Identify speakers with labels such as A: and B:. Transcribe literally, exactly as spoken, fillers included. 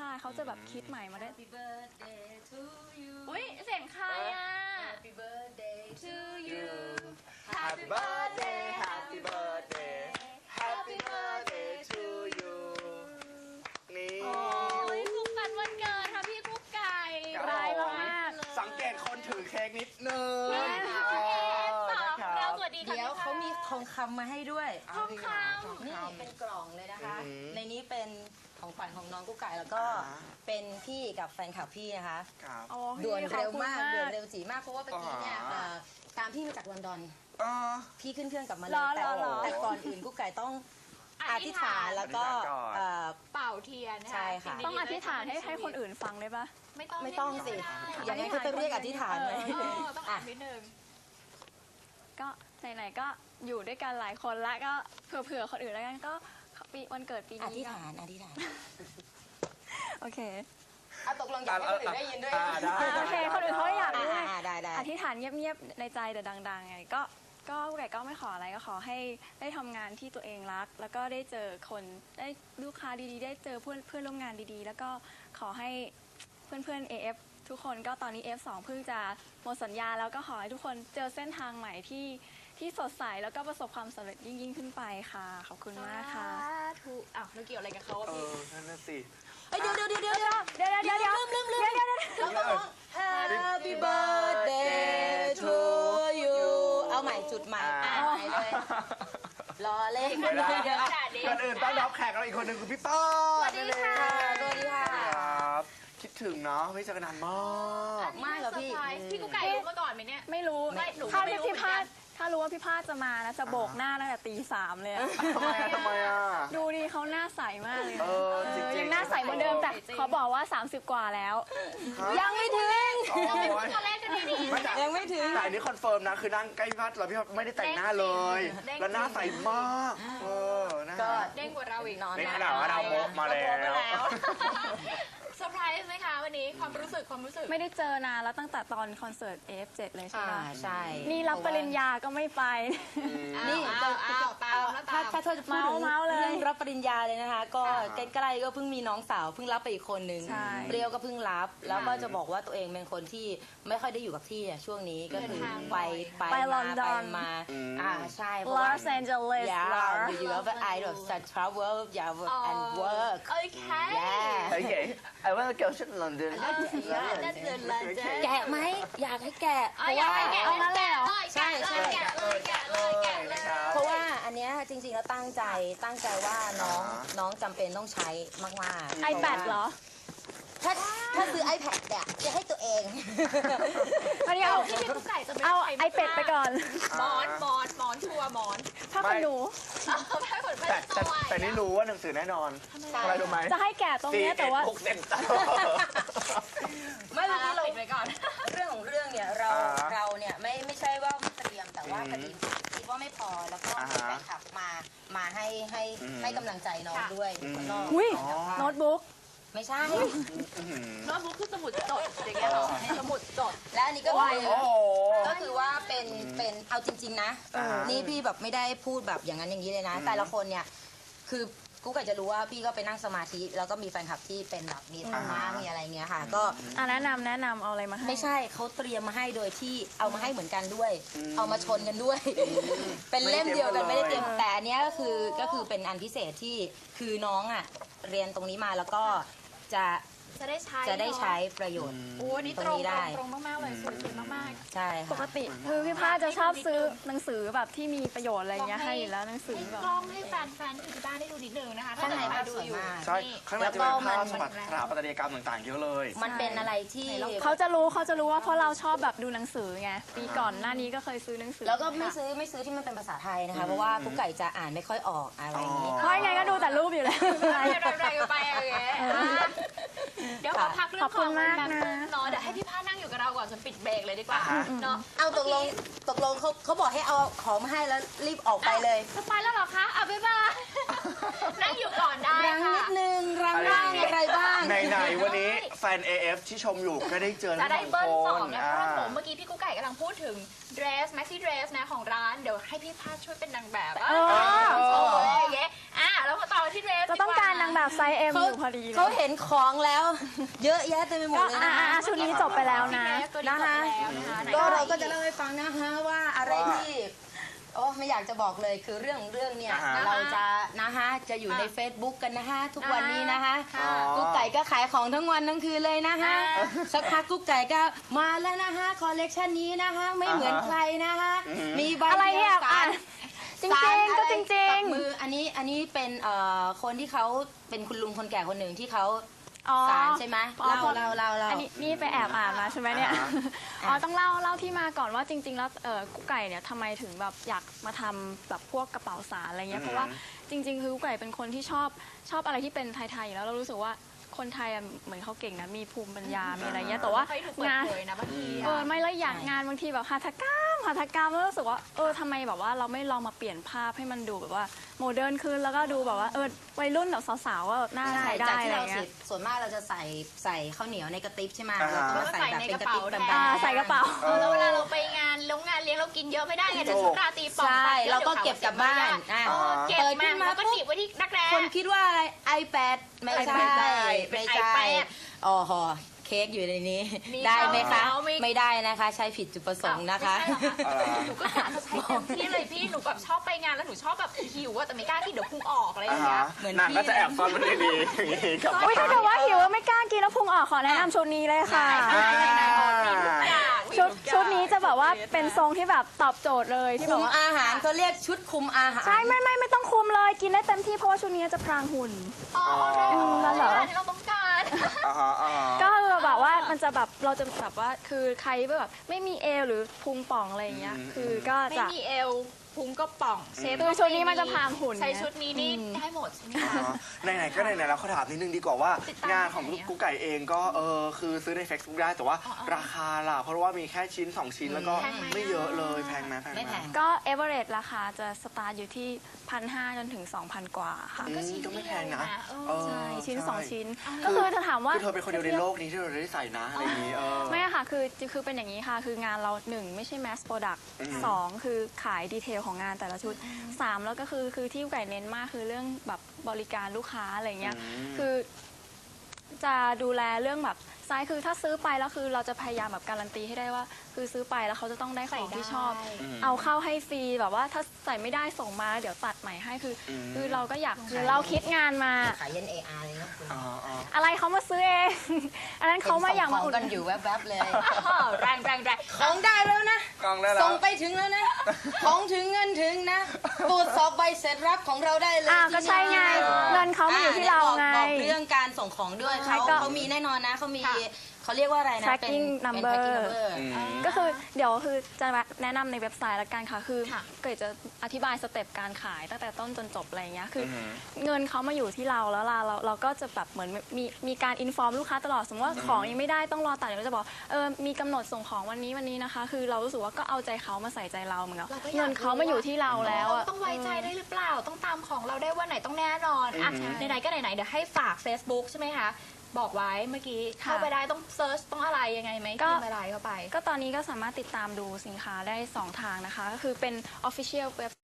A: เขาจะแบบคิดใหม่มาได้
B: Happy birthday to you
C: อุ้ยเสียงใครอ่ะ
B: Happy birthday to you
D: Happy birthday Happy birthday Happy birthday to you นี่
C: โอ้ยสุขสันต์วันเกิดค่ะพี่กุ๊กไก่
A: ร้ายมาก
D: สังเกตคนถือเค้กนิดนึง
C: พี่เอสตอบเราสวัสดีค่ะ
B: เดี๋ยวเขามีทองคำมาให้ด้วย
C: ทองค
B: นี่เป็นกล่องเลยนะคะ
D: อืม
B: ในนี้เป็นของขวัญของน้องกุ๊กไก่แล้วก็
D: อ่า
B: เป็นพี่กับแฟนคลับพี่นะคะ
D: ครับ
A: โอ้ย
B: ด่วน
A: ขอบ
B: เร็ว
A: คุณ
B: มากด่วนเร็วจีมากเพราะว่าเมื่อกี้เนี่ย
D: อ่า
B: เอ่อตามพี่มาจากลอนดอน
D: เออ
B: พี่ขึ้นเครื่องกลับมาเล
A: ร
B: ย
A: อ
B: แต่
A: รอรอ
B: แต่ก่อนอื่นกุ๊กไก่ต้อง
C: ำ
B: อธิษฐานแล้วก็
D: อธิษฐานก่อน
B: เอ่อ
C: เป่าเทียนน
B: ใช่ค่ะ
C: สิ่ดีๆ
A: ต้องอธิษฐานให้ให้คนอื่นฟังได้ปะ
C: ไม่ต้อง
B: ไม่ต้องสิ
C: เรี
B: อย ย่าก ง
C: ก็
B: นั้นเขาจะเรียกอธิษฐานไหม
C: ได้เออต้องอ่านนิดนึง
A: ก็ไหนๆก็อยู่ด้วยกันหลายคนละก็เผื่อๆคนอื่นแล้วกันก็ปีวันเกิดปี
B: อ
A: นี้
B: ธิษ
A: ก็
B: ฐานอธิษฐาน
A: โอเค
B: เอาตกลงอยากให้คนอื่นได้ยินด้วย
D: อ่าได้
A: อ่าโอเคคนอื่นเขาอยาก
B: อ่า
A: ด้วย
B: อ่าได้ได้
A: อธิษฐานเงียบๆในใจแต่ดังๆไงก็ก็ไก่ก็ไม่ขออะไรก็ขอให้ได้ทำงานที่ตัวเองรัก แล้วก็ได้เจอคนได้ลูกค้าดีๆ ได้เจอเพื่อนเพื่อนร่วมงานดีๆ แล้วก็ขอให้เพื่อนๆ เอ เอฟ ทุกคนก็ตอนนี้ เอฟ สอง เพิ่งจะหมดสัญญาแล้วก็ขอให้ทุกคนเจอเส้นทางใหม่ที่ที่สดใสแล้วก็ประสบความสำเร็จยิ่งๆขึ้นไปค่ะ ขอบคุณมากค่ะ
C: ถูกอ้าวแล้วเกี่ยวอะไรกับเขาอะ
D: เอ
C: พี่
D: อนั่นน่ะสิ
B: เอ้ยเดี๋ยวเดี๋ยวเดี๋ยวเดี๋ยวเดี๋ยว
A: เดี๋ยวเดี๋ยวเดี๋ยว
B: ลืมลืมลืม
A: เดี๋ยวเดี๋ยวเดี๋ยว
B: เราต้องร้อง Happy birthday to you เอาใหม่จุดใหม่
D: อ่า
B: อ่าใหม่เลยรอเล่น
D: ไม่ได้
C: เดี๋ยวขนาดนี้
D: ก่อนอื่นต้องรับแขกเราอีกคนหนึ่งคือพี่ต้อ
C: สวัสดีค่ะ
B: สวัสดีค่ะ
D: ครับคิดถึงเนาะไม่เจอกันนานมาก
B: ไม่เหรอพี่
C: เซร์ไพรส์พี่กุ๊กไก่รู้มาก่อนไหมเนี่ย
A: ไม่รู้
C: ไม่หนู
A: ถ้า
C: ไม่รู้
A: พี่
C: เหมือน
A: พา
C: กั
A: ด
C: น
A: ถ้ารู้ว่าพี่พาดจะมานะจะโบกหน้าตั้งแต่ตีสามเลยอะ
D: ทำไมอะทำไมอะ
A: ดูดิเขาหน้าใสมากเลยนะ
D: เออจริงๆ
A: ยังหน้าใสเหมือนเดิมแต่
C: จริงๆ
A: เขาบอกว่า สามสิบ กว่าแล้ว
B: ยังไม่ถึง
D: โอ้ย
C: ตัวเลขกันดีๆ
D: ไม่แต่
B: ยังไม่ถึง
D: แต่อันนี้คอนเฟิร์มนะคือนั่งใกล้พี่พัดแล้วพี่พัดไม่ได้แต่งหน้าเลย
C: เด้งจริง
D: แล้วหน้าใสมากเออนะ
B: ก็
D: ฮะ
C: เด้งกว่าเราอีก
B: นอน
D: ในขณะว่าเราโมกมาแล้ว
C: เรโมกมาแล้วเซอร์ไพรส์ไหมคะวันนี้ความรู้สึกความรู้สึก
A: ไม่ได้เจอนานแล้วตั้งแต่ตอนคอนเสิร์ต เอ เอฟ เจ็ด เลยใช่
B: อ่า
A: ไหม
B: ใช่
A: นี่รับปริญญาก็ไม่ไป
B: นี่
C: อ้าวอ้าวตามแล้ว
B: ถ้า
C: ตาม
B: ถ้าเธอจะพูดถึง
A: เมาส์เลย
B: เรื่องรับปริญญาเลยนะคะ ก็
D: อ่า
B: ใกล้ๆก็เพิ่งมีน้องสาวเพิ่งรับไปอีกคนนึง
A: ใช่
B: เปรี้ยวก็เพิ่งรับ แล้วก็จะบอกว่าตัวเองเป็นคนที่ไม่ค่อยได้อยู่กับที่อะช่วงนี้ก็คือไปไป
A: ไปล
B: มา
A: อนด
B: ไป
A: อน
B: มา
D: อืม
B: อ่าใช่เพ
A: ล
B: ราะ
A: อ
B: ว่า
A: สแอนเจลิส
B: Yeah, you have I of such travel, yeah, and work.
C: โอเค
B: Yeah.
D: Okay I want to go to London
C: นั่นเดือนละเจ๊
B: แกะไหมอยากให้แกะเพ
C: อ๋อ
B: ราะ
C: อยาก
B: ว่า
C: ให้แกะ
A: เอางั้นเลยเหรอ
B: ใช่ใช่
C: แกะเลยแกะเลยแกะเลย
B: เพราะว่าอันเนี้ยจริงๆแล้วตั้งใจตั้งใจว่าน้อง
D: อ่า
B: น้องจำเป็นต้องใช้มากๆ
A: ไอแพดเหรอ
B: ถ้าถ้าซื้อ iPad เนี่ยจะให้ตัวเอง
A: อันนี้เอา
C: ที่พี่กุ๊กไก่จะไม่
A: เอา
C: ใช้
A: ไอเป็ดไปก่อน
C: หมอนหมอนหมอนชัวร์หมอน
A: ถ้าคุณหนู
C: เอาไม่ผลไม่
D: แต่
C: ได้
D: แต่
C: ตัว
D: แต่นี่รู้ว่าหนังสือแน่นอน
B: ใช่
D: อะไรรู้ไหม
A: จะให้แกะตรงเนี้ยแต่ว่า
D: หกเซนเตอร์
B: ไม่เมื่อกี้เรา
C: ปิดไว้ก่อน
B: เรื่องของเรื่องเนี่ยเรา
D: อ่า
B: เราเนี่ยไม่ไม่ใช่ว่าไม่เตรียมแต่ว่า
D: อืม
B: พอดีคิดว่าไม่พอแล้วก็
D: อ่า
B: มี
D: ฮะ
B: แฟนคลับมามาให้ให้
D: อืม
B: ให้กำลังใจน้อง
C: ค่ะ
B: ด้วย
D: อืม
B: ข้างนอก
A: อุ้ย
D: อ๋อ
A: โน้ตบุ๊ก
B: ไม่ใช่
D: อื้อหือ
C: โน้ตบุ๊กคือสมุดจดอย่างเงี้ยเหรอสมุดจด
B: และอันนี้ก็คือ
D: โอ้โห
B: ก็คือว่าเป็นเป็นเอาจริง ๆ นะ
D: อ่าฮะ
B: นี่พี่แบบไม่ได้พูดแบบอย่างนั้นอย่างนี้เลยนะ
D: อืม
B: แต่ละคนเนี่ยคือกูก็จะรู้ว่าพี่ก็ไปนั่งสมาธิแล้วก็มีแฟนคลับที่เป็นแบบมีธรรมะมีอะไรเงี้ยค่ะ ก็
A: อ่ะแนะนำแนะนำเอาอะไรมาให้
B: ไม่ใช่เขาเตรียมมาให้โดยที่เอามาให้เหมือนกันด้วย เอามาชนกันด้วย เป็นเล่มเดียวกัน
D: ไม่
B: ไม่
D: ได้
B: ได้
D: เต
B: เต
D: รี
B: รี
D: ย
B: ย
D: ม
B: มแต่อันเนี้ยก็คือก็คือเป็นอันพิเศษที่คือน้องอ่ะเรียนตรงนี้มาแล้วก็จะ
C: จะได้ใช้
B: จะได้ใช้ประโยชน์
C: โอ้อันนี่ตรง
B: ตรงนี้ได้
C: ตรงมากๆเลยสวยสวยมาก
B: ใช่
A: ป
B: ค่ะ
A: กติคือพี่พาจะชอบซื้อหนังสือแบบที่มีประโยชน์อะไรเงี้ยให้อยู่แล้วหนัง
C: ๆ
A: สือ
C: ให้
A: แบบ
C: กล้องให้แฟนแฟนที่อยู่ที่บ้านได้ดูนิดนึงนะคะถ้า
B: ข้างใน
C: เกิด
B: ภาพ
C: ดู
B: สวย
C: อยู่
B: มาก
D: ใช่
C: นี่
D: ข้างในจะเป็นภาพสถาปัตยกรรมต่างๆเยอะเลย
B: มันเป็นอะไรที่
A: เขาจะรู้เขาจะรู้ว่าเพราะเราชอบแบบดูหนังสือไงปีก่อนหน้านี้ก็เคยซื้อหนังสือ
B: แล้วก็ไม่ซื้อไม่ซื้อที่มันเป็นภาษาไทยนะคะ เพราะว่ากุ๊กไก่จะอ่านไม่ค่อยออกอะไรอย่างนี้
A: เพราะยังไงก็ดูแต่รูปอยู่แล้ว
C: อะไรอะไรไปอะไรอย่างเงี้ยอ่ะเดี๋ยวขอพักเรื่อ
A: ของ บ
C: ข
A: คุ
C: อง
A: ณมาก
C: แบบ
A: นะ
C: เนาะเดี๋ยวให้พี่พานั่งอยู่กับเราก่อนจนปิดเบรกเลยดีกว่า
D: อ่ะ
C: เนาะ
B: เอาตกลงตกลงเขาเขาบอกให้เอาของมาให้แล้วรีบออกไปเลย
C: จะไปแล้วเหรอคะอ่ะบ๊ายบายนั่งอยู่ก่อนได้
B: รังนิ
C: ค่ะ
B: ดนึงรังบ้างอะไรบ้าง
D: ไหนๆวันนี้แฟน เอ เอฟ ที่ชมอยู่ก็ได้เจอ
C: จะ
D: ทั้ง
C: ได้
D: ส
C: เบิ้ล
D: อง
C: ส
D: ค
C: อง
D: น
C: นะเพราะว่าผมเมื่อกี้พี่กุ๊กไก่กำลังพูดถึง dress maxi dress นะของร้านเดี๋ยวให้พี่พาช่วยเป็นนางแบบ
A: เออ
C: โชว์อะไรอย่างเงี้ยอ่ะแล้วมาต่อที่เดรส
A: จะต้องการนางแบบไซส์ เอ็ม
B: เขา
A: อยู่พอดีเลย
B: เขาเห็นของแล้ว เยอะแยะเต็มไปหม
A: ก็
B: ดเลย
A: อ่า
B: นะ
A: อ่าชุดนี้จบไปแล้วนะ
B: นะคะ
C: ไหน
B: ก็เราก็จะเล่าให้ฟังนะคะว่าอะไร
D: ว่า
B: ที่โอ้ไม่อยากจะบอกเลยคือเรื่องเรื่องเนี่ย
D: อ่าฮะ
B: เราจะนะคะจะอยู่ใน Facebook กันนะคะทุกวันนี้นะคะ
C: ค่ะ
B: กุ๊กไก่ก็ขายของทั้งวันทั้งคืนเลยนะคะ
C: อ่า
B: สักพักกุ๊กไก่ก็มาแล้วนะคะคอลเลกชันนี้นะคะไม่เหมือนใครนะคะ
D: อืม
B: มีใบ
A: อะไรเนี่ย
B: ดีวสา
A: อ่ะ
B: ร
A: จริงๆก็จริง
B: กับมืออันนี้อันนี้เป็นเอ่อคนที่เขาเป็นคุณลุงคนแก่คนหนึ่งที่เขา
A: ๆอ๋อ
B: สารใช่ไหม
A: อ๋อ
B: เล่าเล่าเล่าเล่า
A: อันนี้นี่ไปแอบอ่านมาใช่ไหมเนี่ย
D: อ่า
A: อ๋อต้องเล่าเล่าที่มาก่อนว่าจริง ๆ แล้วเออกุ๊กไก่เนี่ยทำไมถึงแบบอยากมาทำแบบพวกกระเป๋าสารอะไรเงี้ยเพราะว่าจริง ๆ คือกุ๊กไก่เป็นคนที่ชอบชอบอะไรที่เป็นไทยๆอยู่แล้วเรารู้สึกว่าคนไทยอะเหมือนเขาเก่งนะมีภูมิปัญญา มีอะไรเงี้ยแต่ว่า
C: ไม่ค่อยถูกเปิด
A: งาน
C: เผยนะบางที
A: เออไม่แล้วอยาก
B: ใช่
A: งานบางทีแบบหัตถกรรมหัตถกรรมแล้วรู้สึกว่าเออทำไมแบบว่าเราไม่ลองมาเปลี่ยนภาพให้มันดูแบบว่าโมเดิร์นขึ้นแล้วก็ดูแบบว่าเออวัยรุ่นแบบสาวๆว่าน่า
B: ใช่
A: ใช้ได้
B: จาก
A: อะ
B: ที่
A: ไร
B: เรา
A: เงี้
B: สิ
A: ย
B: ส่วนมากเราจะใส่ใส่ข้าวเหนียวในกระติบใช่ไหม
D: อ่า
B: เราก็มาใส่แบบเป็นกระติบแบบ
A: อ่าใส่กระเป๋า
C: เออแล้วเวลาเราไปงานลงงานเลี้ยงเรากินเยอะไม่ได้ไงเดี๋ยวชุดราตรีป่อง
B: ใช่
C: ไป
B: เราก็เก็บกลับบ้านอ่ะ
C: เออเก็บ
B: เปิดขึ้
C: มาน
B: มา
C: แล้วก็หนีบไว้ที่รักแร้
B: คนคิดว่าอะไร iPad ไม่ใช่
C: ไม่ใช่
B: ไม่
C: เป็น
B: ใช่
C: iPad
B: อ๋อหอเค้กอยู่ในนี้
C: มี
B: ได้ไหมคะ
C: เขามี
B: ไม่ได้นะคะ ใช้ผิดจุดประสงค์นะคะ
C: ไม่ใช่เหรอคะหนูก็กะจะใช้เต็มที่เลยพี่หนูแบบชอบไปงานแล้วหนูชอบแบบหิวอะแต่ไม่กล้ากินเดี๋ยวพุงออกอะไรอ
D: อ่า
C: ย่างเงี้
D: ฮะ
C: ย
B: เหมือน
D: นาง
B: พี่
D: ก็จะแอบซ่อนมันดีๆอย่างนี้กลับ
A: อุ้ยถ้า
D: บ้าน
A: เกิดว่าหิวแล้วไม่กล้ากินแล้วพุงออกขอแนะนำชุดนี้เลยค่ะ
D: อ่า
A: ชุดชุดนี้จะแบบว่าเป็นทรงที่แบบตอบโจทย์เลยที่แบ
B: คุ
A: บ
B: ม
A: ว่า
B: อาหารเขาเรียกชุดคุมอาหาร
A: ใช่ไม่ไม่ไม่ต้องคุมเลยกินได้เต็มที่เพราะว่าชุดนี้จะพรางหุ่น
C: อ๋อได้
A: อืมนั่นเหรอ
C: ที่เราต้องการ
D: อ่าฮะอ่าฮะ
A: ก็คือแบบว่ามันจะแบบเราจะแบบว่าคือใครแบบไม่มีเอวหรือพุงป่องอะไรอย่างเงี้ย
D: อืม
A: คือก็
C: ไม่
A: จะ
C: มีเอวพุงก็ป่องเชฟ
A: คือชุดนี้มันจะพรางหุ่น
C: ใช้
A: ไง
C: ชุดนี้นี่
A: อืม
C: ได้หมดใช่ไหม
D: อ๋
C: คะ
D: อไหนๆก็ไหนๆแล้วเขาถามนิดนึงดีกว่าว่า
C: ติดตาม
D: งานของ
C: ที่ไหนอะ
D: กุ๊กไก่เองก็เออคือซื้อใน Facebook ได้แต่ว่า
C: อ๋ออ๋อ
D: ราคาล่ะเพราะว่ามีแค่ชิ้น สอง ชิ้นแล้วก็
C: แพงไหม
D: ไม่เยอะเลยแพงไหมแพงไหม
B: ไม่แพง
A: ก็เอเวอเรสราคาจะสตาร์ทอยู่ที่พันห้าจนถึงสองพันกว่าค่ะ
D: อืมก็ไม่แพงนะ
C: เออ
D: เออ
A: ใช่ชิ้นสอง
D: ใช่
A: ชิ้น
C: คือ
A: ก็คือถ้าถามว่า
D: คือเธอเป็นคนเดียวในโลกนี้ที่เราได้ใส่นะอะไรอย่างนี้เออ
A: ไม่อะค่ะคือคือเป็นอย่างนี้ค่ะ คืองานเราหนึ่งไม่ใช่ mass product
D: อืม
A: สองคือขายดีเทลของงานแต่ละชุดสามแล้วก็คือคือที่ไก่เน้นมากคือเรื่องแบบบริการลูกค้าอะไรเงี้ย
D: ม
A: คือจะดูแลเรื่องแบบไซส์คือถ้าซื้อไปแล้วคือเราจะพยายามแบบการันตีให้ได้ว่า คือซื้อไปแล้วเขาจะต้องได้ของที่ชอบ
D: อืม
A: เอาเข้าให้ฟรีแบบว่าถ้าใส่ไม่ได้ส่งมาเดี๋ยวตัดใหม่ให้คืออ
D: ม
A: คือเราก็อยากคือเราคิดงานมา
B: ขายเย็น เอ อาร์ เลยนะคุณ
D: อ๋ออ๋อ
A: อะไรเขามาซื้อเอง อันนั้นเขามาอยากมา
B: ข
A: อุ
B: ง
A: ด
B: กันอยู่แวบๆเลย
C: อ๋อแรงแรงแรง
B: ของได้แล้วนะ
D: กล้องได้แล้ว
B: ส่งไปถึงแล้วนะ ของถึงเงินถึงนะ ตรวจสอบใบเสร็จรับของเราได้เลย
A: อ่าก็ใช่ไง
B: ที่หน้า
A: เงินเขามาอยู่ที่เราไง
B: บอกบอกเรื่องการส่งของด้วย
A: ใช่
B: เขา
A: ก็
B: เขามีแน่นอนนะเขามีเขาเรียกว่าอะไรนะ
A: tracking
B: เป็น
A: number
B: เป็น tracking number
D: อืม
A: ก็คือเดี๋ยวคือจะแนะนำในเว็บไซต์ละกันค่ะ คือ
C: ค่ะ
A: เกิดจะอธิบายสเต็ปการขายตั้งแต่ต้นจนจบอะไรอย่างเงี้ยคืออ
D: ม
A: เงินเขามาอยู่ที่เราแล้วล่ะเราเราก็จะแบบเหมือนมีมีการอินฟอร์มลูกค้าตลอดสมมติว่าของยังไม่ได้ต้องรอตัดเดี๋ยวเราจะบอกเออมีกำหนดส่งของวันนี้วันนี้นะคะ คือเรารู้สึกว่าก็เอาใจเขามาใส่ใจเราเหมือนกัน
C: เราก็อยาก
A: เงินเขามาอยู่ที่เราแล้วอะ
C: ต้องไว้ใจได้หรือเปล่า ต้องตามของเราได้ว่าไหนต้องแน่นอนอ่ะ
D: อืม
C: ไหนๆก็ไหนๆเดี๋ยวให้ฝาก Facebook ใช่ไหมคะ บอกไว้เมื่อกี้เข้าไปได้ต้องเซิร์ชต้องอะไรยังไงไหม
A: ก็
C: พิมพ์อะไรเข้าไป
A: ก็ตอนนี้ก็สามารถติดตามดูสินค้าได้สองทางนะคะ ก็คือเป็น Official เว็บ